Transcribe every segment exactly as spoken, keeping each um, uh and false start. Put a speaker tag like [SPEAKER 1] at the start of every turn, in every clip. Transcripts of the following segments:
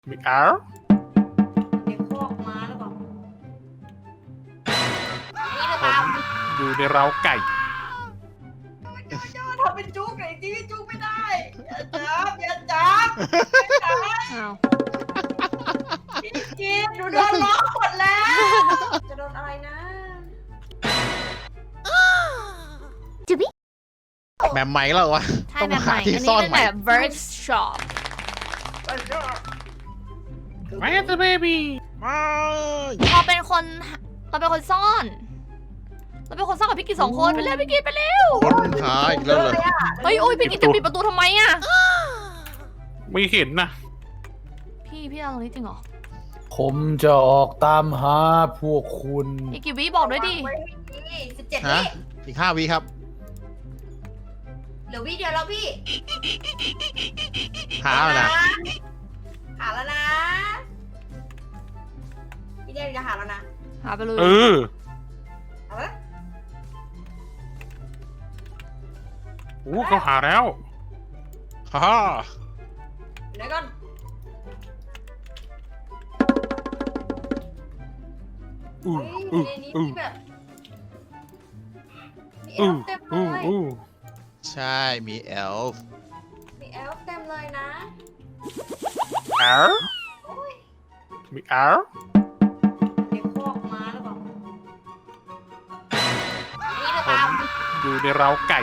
[SPEAKER 1] มิกอาร์
[SPEAKER 2] เด็กพวกม้าหรือเปล่านี่หรือ
[SPEAKER 1] ผ
[SPEAKER 2] เปล่าม
[SPEAKER 1] อยู่ในเร้าไก่
[SPEAKER 2] โจโจทำเป็นจุกไอ้ที่จุกไม่ได้อย่าจับอย่าจับ
[SPEAKER 3] อ้าว
[SPEAKER 2] พี่กินหนูโดนล็อกหมดแล้วจะโดนอะไรนะ
[SPEAKER 4] แบบใหม่แล้ววะ
[SPEAKER 3] ใช่
[SPEAKER 4] ต้อง
[SPEAKER 3] แบบให
[SPEAKER 4] หา
[SPEAKER 3] ม่
[SPEAKER 4] ที่
[SPEAKER 3] อัน
[SPEAKER 4] ซ่
[SPEAKER 3] นี้
[SPEAKER 4] อน
[SPEAKER 3] เป็น
[SPEAKER 4] ใหม่
[SPEAKER 3] แบบ Bird Shop
[SPEAKER 1] แม่ตัวเบบี้
[SPEAKER 4] ไม่
[SPEAKER 3] เราเป็นคนเราเป็นคนซ่อน เราเป็นคนซ่อนกับพี่กิจสองคนไปเร็วพี่กิจไปเร็ว
[SPEAKER 4] คนหาอีกแล้วเหรอ
[SPEAKER 3] เฮ้ยโอ้ยพี่กิจจะปิดประตูทำไมอ่ะ
[SPEAKER 1] ไม่เห็นนะ
[SPEAKER 3] พี่พี่เอาตรงนี้จริงเหรอ
[SPEAKER 5] ผมจะออกตามหาพวกคุณ
[SPEAKER 3] อีกกี่วิบอกด้วยดิ
[SPEAKER 2] สิบเจ็ด
[SPEAKER 4] ฮะ
[SPEAKER 2] วิ
[SPEAKER 4] อีกห้าวิครับ
[SPEAKER 2] เหลือวิเดียวแล้วพี่
[SPEAKER 4] หาแล้วนะ
[SPEAKER 2] หาแล้วนะพี่เดียวจะหาแล้วนะ
[SPEAKER 3] หาไปเลย
[SPEAKER 1] เออ
[SPEAKER 2] เอาละ
[SPEAKER 1] โอ้เขาหาแล้ว
[SPEAKER 4] ฮ่าฮ่า
[SPEAKER 2] เดี๋ยวก่อน
[SPEAKER 1] อู้
[SPEAKER 2] เฮ้ย
[SPEAKER 1] อู้
[SPEAKER 2] ในนี้
[SPEAKER 1] อู้
[SPEAKER 2] มีแบบมีเอ
[SPEAKER 1] อู้
[SPEAKER 2] ลฟ์เต็มเล
[SPEAKER 1] อู้
[SPEAKER 2] ย
[SPEAKER 1] อู้
[SPEAKER 4] ใช่มีเอลฟ์
[SPEAKER 2] มีเอลฟ์เต็มเลยนะ
[SPEAKER 1] อาร์มิกอาร์
[SPEAKER 2] เด็กพวกม้าหรือเปล่านี่หรือ
[SPEAKER 1] ผ
[SPEAKER 2] เปล่าม
[SPEAKER 1] อยู่ในเร้าไก่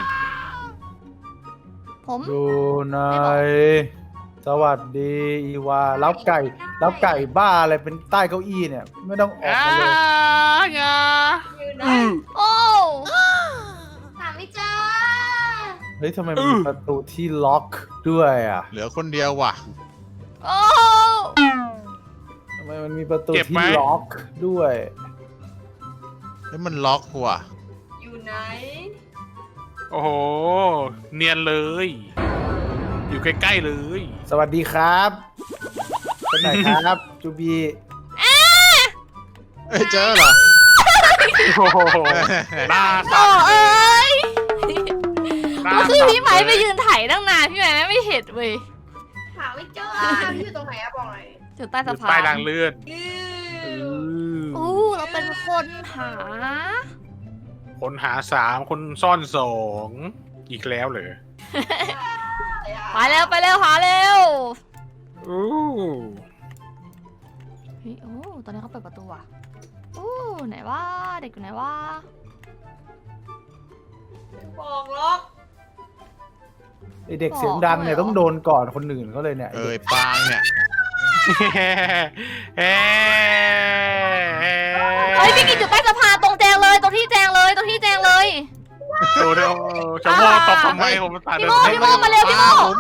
[SPEAKER 3] ผม
[SPEAKER 5] อยู่ไหนสวัสดีอีวารับไก่รับไก่บ้าอะไรเป็นใต้เก้าอี้เนี่ย ไม่ต้องออก
[SPEAKER 1] อ่า
[SPEAKER 5] มาเลย
[SPEAKER 1] งา
[SPEAKER 2] อยู่ไหน
[SPEAKER 1] อืม
[SPEAKER 3] โอ้
[SPEAKER 2] หาไม่เจอ
[SPEAKER 5] เฮ้ยทำไมมันมีประตูที่ล็อกด้วยอ่ะ
[SPEAKER 4] เหลือคนเดียวว่ะ
[SPEAKER 3] โอ้
[SPEAKER 5] ทำไมมันมีประตูที่ล็อกด้วย
[SPEAKER 4] เฮ้ยมันล็อกว่ะ
[SPEAKER 2] อยู่ไหน
[SPEAKER 1] โอ้โห เนียนเลย อยู่ใกล้ๆเลย
[SPEAKER 5] สวัสดีครับเป็นไหนครับ จูบี
[SPEAKER 4] เอ้ยเจอเหรอ
[SPEAKER 1] โอ้โหหน้า
[SPEAKER 3] โอ้
[SPEAKER 1] สั่น
[SPEAKER 3] เอ้ย
[SPEAKER 1] หน้า
[SPEAKER 3] ก็คือ
[SPEAKER 1] สั่น
[SPEAKER 3] พี่ไม้ไปยืนถ่ายตั้งนานพี่ไม้ไม่เห็นเว้ย
[SPEAKER 2] หาไม่เจออยู่ตรงไหนอะบอกหน่อย
[SPEAKER 3] อยู่ใต้
[SPEAKER 1] อ
[SPEAKER 3] สะ
[SPEAKER 1] ยู่
[SPEAKER 3] พา
[SPEAKER 1] ใต้
[SPEAKER 3] น
[SPEAKER 1] รางเลื่อน
[SPEAKER 2] อื
[SPEAKER 1] เอ
[SPEAKER 2] อ
[SPEAKER 1] อ
[SPEAKER 3] อู้เราเป็นคนหา
[SPEAKER 1] คนหาสามคนซ่อนสองอีกแล้วเหรอ
[SPEAKER 3] ไปเร็วไปเร็วหาเร็ว
[SPEAKER 1] อู้
[SPEAKER 3] เฮ้ยโอ้ตอนนี้เขาเปิดประตูอ่ะอู้ไหนว่าเด็กอยู่ไหนว่า
[SPEAKER 2] บอกล็อก
[SPEAKER 5] ไอเด็กเสียงดังเนี่ยต้องโดนก่อนคนอื่นเขาเลยเนี่ยไอ้
[SPEAKER 4] เอ้
[SPEAKER 5] เด็
[SPEAKER 4] ย
[SPEAKER 5] ก
[SPEAKER 4] ปางเนี่ย
[SPEAKER 1] เฮ้
[SPEAKER 3] เฮ้ยพี่กินอยู่ใต้สะพานตรงแจงเลยตรงที่แจงเลยตรงที่แจงเลย
[SPEAKER 1] โอ้โหจะโม่ตบทำไมผมตา
[SPEAKER 3] พี่
[SPEAKER 1] เดิ
[SPEAKER 3] โม่
[SPEAKER 1] น
[SPEAKER 3] พี่โม่มาเร็วพี่โม่
[SPEAKER 4] ผม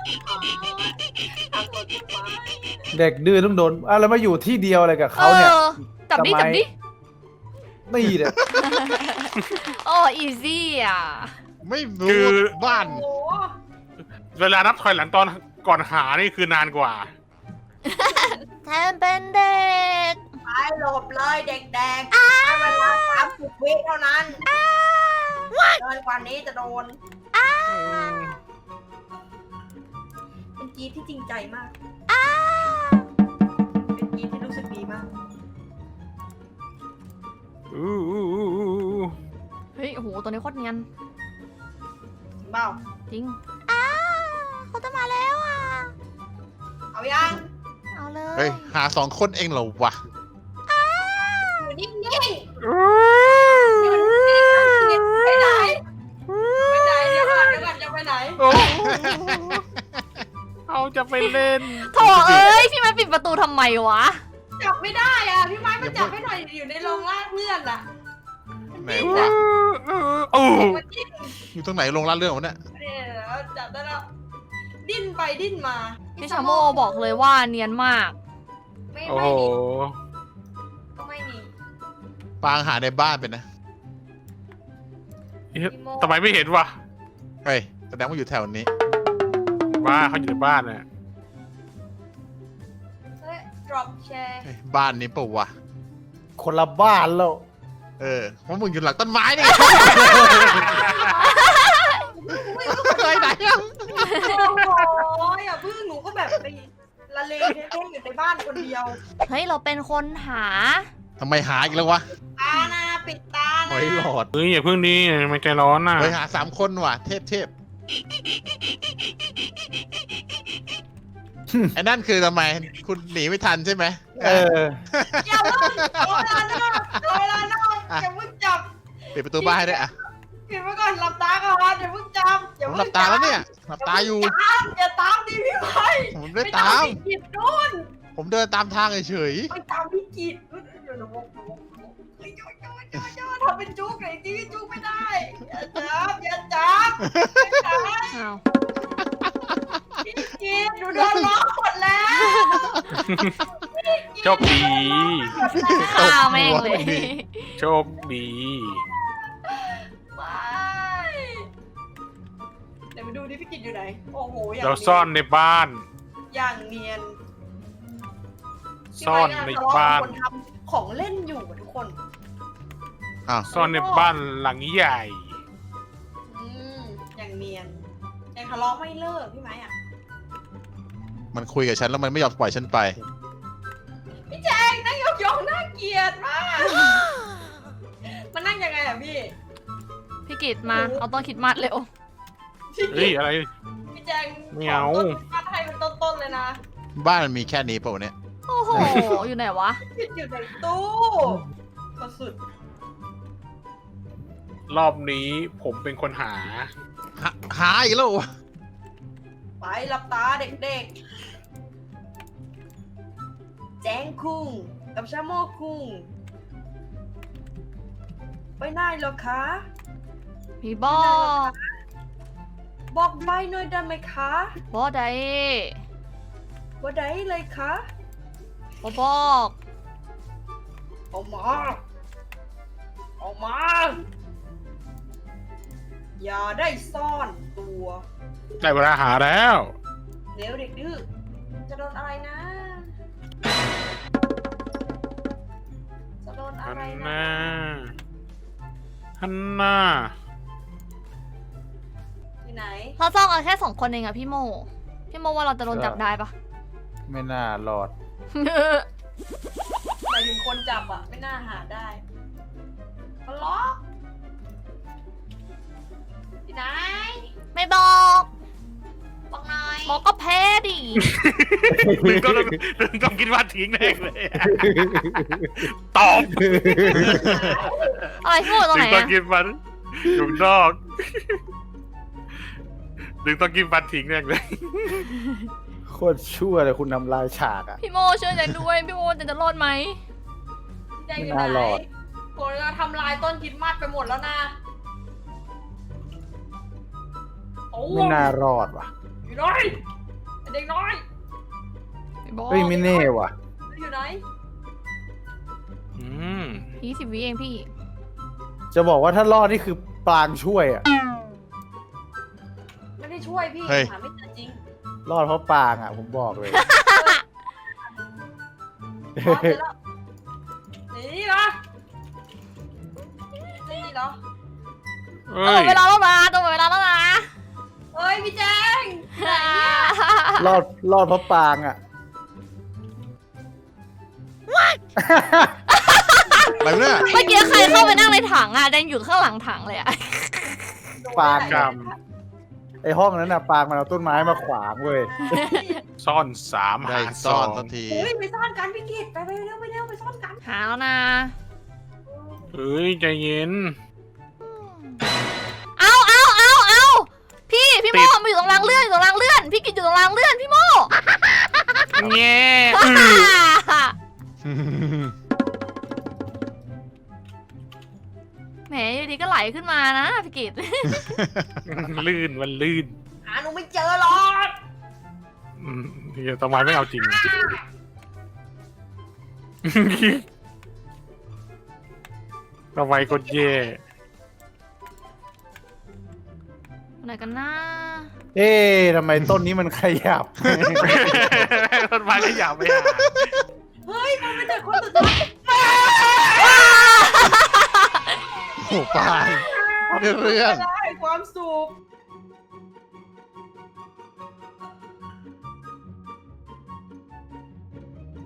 [SPEAKER 5] เด็กดื้อต้องโดนอ่ะแล้วมาอยู่ที่เดียวอะไรกับเขาเนี่ย
[SPEAKER 3] ออจับดิ
[SPEAKER 5] ทำไม
[SPEAKER 3] จับดิ
[SPEAKER 5] นี่เนี่ย
[SPEAKER 3] โอ้อีซี่อ่ะ
[SPEAKER 4] ไม่รู้บ้าน
[SPEAKER 2] โอ้โห
[SPEAKER 1] เวลานับถอยหลังตอนก่อนหานี่คือนานกว่า
[SPEAKER 3] แทนเป็นเด็ก
[SPEAKER 2] ไปหลบเลยเด็กๆให้เวลาสามสิบวิเท่านั้นเกินกว่านี้จะโดน เป็นกรีดที่จริงใจมาก เป็นกรีดที่รู้สึกดีมาก
[SPEAKER 1] อู้อู้อู้อู้อู้
[SPEAKER 3] เฮ้ยโอ้โหตัวนี้โคตรเนียน
[SPEAKER 2] จริงเปล่า
[SPEAKER 3] จริงอ้าเขาจะมาแล้วอ่ะ
[SPEAKER 2] เอายัง
[SPEAKER 3] เอาเล
[SPEAKER 4] เฮ้
[SPEAKER 3] ย
[SPEAKER 4] ยหาสองคนเองเหรอวะ
[SPEAKER 2] อยู่นิ่งๆ
[SPEAKER 1] อู้
[SPEAKER 2] ไปไหน ไปไหนเดี๋ยวก่อนเดี๋ยวก่อนจะไปไหน
[SPEAKER 1] โอ้เขาจะไปเล่น
[SPEAKER 3] โถเอ้ยพี่ไม้ปิดประตูทำไมวะ
[SPEAKER 2] จับไม่ได้อ่ะ พี่ไม้มาจับให้หน่อยอยู่ในโรงลากเลื่อนอ่ะ
[SPEAKER 4] ไหน
[SPEAKER 1] อู้
[SPEAKER 4] วะ
[SPEAKER 1] อู้
[SPEAKER 2] มันดิ้น
[SPEAKER 4] อยู่ตรงไหนลงลาดเรื่องวะเนี่ย
[SPEAKER 2] เนี่ยแล้วจับได้แล้ว ดิ้นไปดิ้นมา
[SPEAKER 3] พี่ชาโมบอกเลยว่าเนียนมาก
[SPEAKER 2] ไม่
[SPEAKER 1] โอ้
[SPEAKER 2] ไม่
[SPEAKER 1] โห
[SPEAKER 2] หนีก็ไม่หนี
[SPEAKER 4] ปางหาในบ้านเป็นนะ
[SPEAKER 2] พี่โม
[SPEAKER 1] ทำไมไม่เห็นวะ
[SPEAKER 4] เฮ้ยแสดงว่าอยู่แถวนี้
[SPEAKER 1] ว่าเขาอยู่ในบ้านน่ะ
[SPEAKER 2] เฮ้ย drop share
[SPEAKER 4] เฮ้ยบ้านนี้เปล่าวะ
[SPEAKER 5] คนละบ้านแล้ว
[SPEAKER 4] เออเพราะมึงอยู่หลังต้นไม้นี่ เคยไหนอ่ะ
[SPEAKER 2] โอ้โหอย่าพึ่งหนูก็แบบไปละเลงเท่ๆอยู่ในบ้านคนเดียว
[SPEAKER 3] เฮ้ยเราเป็นคนหา
[SPEAKER 4] ทำไมหาอีกแล้ววะ
[SPEAKER 2] ตานะปิดตา
[SPEAKER 4] หอ
[SPEAKER 2] นะ
[SPEAKER 4] ยหลอด
[SPEAKER 1] เฮ้ยอย่าเพิ่งดีมันใจร้อนน่ะ
[SPEAKER 4] เฮ้ยหาสามคนว่ะ เทพเทพไอ้นั่นคือทำไม คุณหนีไม่ทันใช่ไหม
[SPEAKER 5] เออ
[SPEAKER 2] อย่าเพิ่งเอาเวลานอกเอาเวลานอกอย่าเพิ่งจับ
[SPEAKER 4] ปิดประตูบ้านให้ด้วยอ่ะ
[SPEAKER 2] ปิดไว้ก่อนหลับตาก่อนอย่าเพิ่งจับอย่า
[SPEAKER 4] ผม
[SPEAKER 2] เพิ่ง
[SPEAKER 4] หลับตาแล้วเนี่ยหลับตาอยู่
[SPEAKER 2] ตามอย่าตามดิพี่ไม้
[SPEAKER 4] ผมไม่
[SPEAKER 2] ไม่
[SPEAKER 4] ตาม
[SPEAKER 2] พี่กิจนู่น
[SPEAKER 4] ผมเดินตามทางเฉย
[SPEAKER 2] ไม่ตามพี่กิจเดี๋ยวหนูบอกหนูบอกหนูบอกเฮ้ยโยโยโยโยทำเป็นจุกไอ้ที่จุกไม่ได้อย่าจับอย่าจับอย่าจับ
[SPEAKER 3] อ้าว
[SPEAKER 2] พี่กิจหนูโดนล้อหมดแล้ว
[SPEAKER 1] โชคดี
[SPEAKER 3] ฆ่าแม่งเลย
[SPEAKER 1] โชคดี
[SPEAKER 2] ไม่เดี๋ยวมาดูดิพี่กิจอยู่ไหนโอ้โหอย่าง
[SPEAKER 1] เราซ่อนในบ้าน
[SPEAKER 2] อย่างเนียน
[SPEAKER 1] ซ่อนในบ้าน
[SPEAKER 2] คนทำของเล่นอยู่อะทุกคน
[SPEAKER 4] ๆอ้าว
[SPEAKER 1] ซ่อนในบ้านหลังใหญ่
[SPEAKER 2] อืมอย่างเนียนยังทะเลาะไม่เลิกพี่ไม้อะ
[SPEAKER 4] มันคุยกับฉันแล้วมันไม่ยอมปล่อยฉันไป
[SPEAKER 2] พี่แจงนั่งยองๆน่าเกลียดมาก มันนั่งยังไงอะพี่
[SPEAKER 3] พี่กิตมาเอาต้นคริดมัดเร็ว
[SPEAKER 2] พี่
[SPEAKER 1] เฮ้ยอะไร
[SPEAKER 2] พี่แจง
[SPEAKER 1] ไม่เอา
[SPEAKER 2] ขต้นมาไทยเป็นต้นๆเลยนะ
[SPEAKER 4] บ้านมันมีแค่นี้เปล่าวะเนี่ย
[SPEAKER 3] โอ้โหอยู่ไหนวะ
[SPEAKER 2] พี่อยู่ในตู้ก็สุด
[SPEAKER 1] รอบนี้ผมเป็นคนหา
[SPEAKER 4] หาหาอีกแล้ววะ
[SPEAKER 2] ไปหลับตาเด็กๆ แจงคุงกับชาโมคุงไปไหนเหรอคะ
[SPEAKER 3] พี่บอก
[SPEAKER 2] บอกใบหน่อยได้ไหมคะ
[SPEAKER 3] บอได้
[SPEAKER 2] ว่าได้เลยคะ
[SPEAKER 3] บอบอก
[SPEAKER 2] ออกมาออกมา อย่าได้ซ่อนตัว
[SPEAKER 1] ได้เวลาหาแล้ว
[SPEAKER 2] เดี๋ยวเด็กดื้อจะโดนอะไรนะ จะโดนอะ
[SPEAKER 1] ฮัน
[SPEAKER 2] ไร
[SPEAKER 1] น่า
[SPEAKER 2] นะ
[SPEAKER 1] ฮันน่า
[SPEAKER 2] ที่ไหน
[SPEAKER 3] เราซ่อนกันแค่สองคนเองอะพี่โม พี่โมว่าเราจะโดนจับได้ปะ
[SPEAKER 5] ไม่น่ารอด
[SPEAKER 2] หมายถึงคนจับอะไม่น่าหาได้มาล็อกที่ไหน
[SPEAKER 3] ไม่บอก
[SPEAKER 2] บอกหน่อย
[SPEAKER 3] บอกก็แพ้ดิ
[SPEAKER 1] ดึงต้องดึงต้องคิดว่าทิ้งแน่เลยอะตอบ
[SPEAKER 3] อะไรพี่โมตรง
[SPEAKER 1] ดึ
[SPEAKER 3] ไหน
[SPEAKER 1] งต้อง
[SPEAKER 3] อะ
[SPEAKER 1] คิดมันอยู่นอกดึงต้องกินฟันทิ้งแน่เลย
[SPEAKER 5] โคตรชั่วเลยคุณทำลายฉากอ่ะ
[SPEAKER 3] พี่โมช่วยใจด้วยพี่โมจะจะรอดไหม
[SPEAKER 2] ใจอยู่
[SPEAKER 5] ไม่
[SPEAKER 2] ไหน
[SPEAKER 5] น่ารอด
[SPEAKER 2] ผมจะทำลายต้นคริดมัดไปหมดแล้วนะโอ้
[SPEAKER 5] ไม่น่ารอดว่ะ
[SPEAKER 2] อยู่น้อยเด็กน้อย
[SPEAKER 3] พี่บอก
[SPEAKER 5] เฮ้ยไม่แน่ว่ะ
[SPEAKER 2] อยู่ไหน
[SPEAKER 1] อืม
[SPEAKER 3] ยี่สิบวิเองพี่
[SPEAKER 5] จะบอกว่าถ้ารอดนี่คือปลางช่วยอ่ะ
[SPEAKER 2] ไม่ได้ช่วยพี่
[SPEAKER 4] เฮ้ย
[SPEAKER 2] หาไม่เจอจริง
[SPEAKER 5] รอดเพราะปลางอ่ะ ผมบอกเลย
[SPEAKER 2] อ๋อเจอแล้วนี่เหรอนี่เหรอ
[SPEAKER 1] เอ้
[SPEAKER 3] เออย เวลาแล้วนะตัวเวลาแล้วนะ
[SPEAKER 2] เฮ้ยพี่แจงไหนเนี่ย
[SPEAKER 5] รอดรอดเพราะปลางอ่ะ
[SPEAKER 4] อะไรวะเนี่ย
[SPEAKER 3] เมื่อกี้ใครเข้าไปนั่งในถังอะแดงอยู่ข้างหลังถังเลยอะ
[SPEAKER 5] ปาง
[SPEAKER 1] กรรม
[SPEAKER 5] ไอห้องนั้นน่ะปลางมันเอาต้นไม้มาขวางเว้ย
[SPEAKER 1] ซ่อนสาม
[SPEAKER 4] ได้
[SPEAKER 1] หาส
[SPEAKER 4] ซ่อ
[SPEAKER 1] อน ง
[SPEAKER 4] สักที
[SPEAKER 2] เฮ้ยไปซ่อนกันพี่กิตไปไปเร็วไปเร็วไปซ่อนกัน
[SPEAKER 3] หาแล้วนะ
[SPEAKER 1] เฮ้ยใจเย็น
[SPEAKER 3] เอาเอาเอาเอาพี่พี่โมมาอยู่ตรงรางเลื่อนอยู่ตรงรางเลื่อน พี่กิจอยู่ตรงรางเลื่อนพี่โม
[SPEAKER 1] แง่
[SPEAKER 3] แหมอยู่ดีก็ไหลขึ้นมานะพี่กิจ
[SPEAKER 1] ลื่นมันลื่น
[SPEAKER 2] หาหนูไม่เจอหรอก
[SPEAKER 1] อืมเดี๋ยวทำไมไม่เอาจริง ทำไมกดแย่
[SPEAKER 3] ไหนกันนะ
[SPEAKER 5] เอ๊ะทำไมต้นนี้มันขยับ
[SPEAKER 1] ต้นไม้ก็อย่าไปหา
[SPEAKER 2] เฮ้ยมันเป็นเด็กคนสุดท้าย
[SPEAKER 4] โอ้ปางเรื่อง
[SPEAKER 2] ได้